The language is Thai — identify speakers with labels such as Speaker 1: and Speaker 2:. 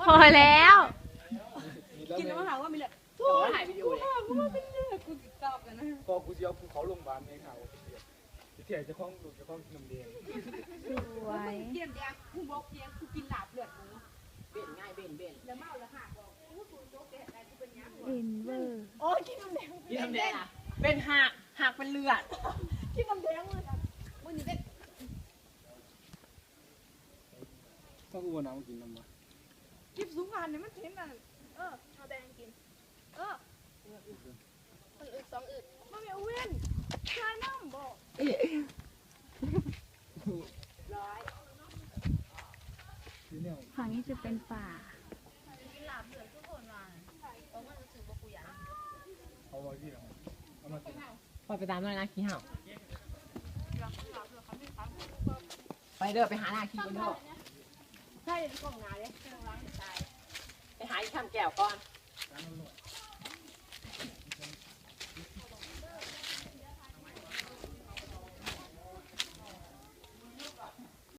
Speaker 1: พอแล้ว
Speaker 2: กินแล้วมาถามว่ามีเลย
Speaker 3: แต่ว่าถ่ายวิดีโอเลย
Speaker 2: กูว่าเป็นเลือดกูติดตอบกันนะ
Speaker 4: พอกูจะเอาภูเขาลงบานในเขาเที่ยวจะคล้องลูกจะคล้องน้ำเดียง
Speaker 1: สวย
Speaker 2: เกี่ยมแดงกูบอกเกียงกูกินหลาบเลือดหมู
Speaker 3: เบ่นง่ายเบ่น
Speaker 2: แล้วเมาแล้วค่ะบอกกูโจ๊กแกอะไรกูเป็นยัง
Speaker 1: เอ็นเวอร์
Speaker 2: โอ้ยกินน้ำแดง
Speaker 3: กินน้ำแดงอ่ะเป็นหักเป็นเลือด
Speaker 2: กินน้ำแดงเลยครับวันนี้เป็น
Speaker 4: ต้องกูว่าน้ำกินน้ำมา
Speaker 2: กินสูงงานเนี่ยมันเห็นอ่ะเอาแดงกินคนอึดสองอึดมันไม่เอาเว้นชายน้ำบอกร้อย
Speaker 4: ที่เนี่ย
Speaker 1: ฝั่งนี้จะเป็นป่า
Speaker 4: เอาไว้ที่ไหนเอามากิน
Speaker 3: ปล่อยไปตามด้วยนะขี้เห่าไปเด้อไปหาหน้าขี้กันเถอะ
Speaker 2: ใช่กล่องงานเลย
Speaker 3: ไปหาอีกทำแก้วก่อน
Speaker 2: เ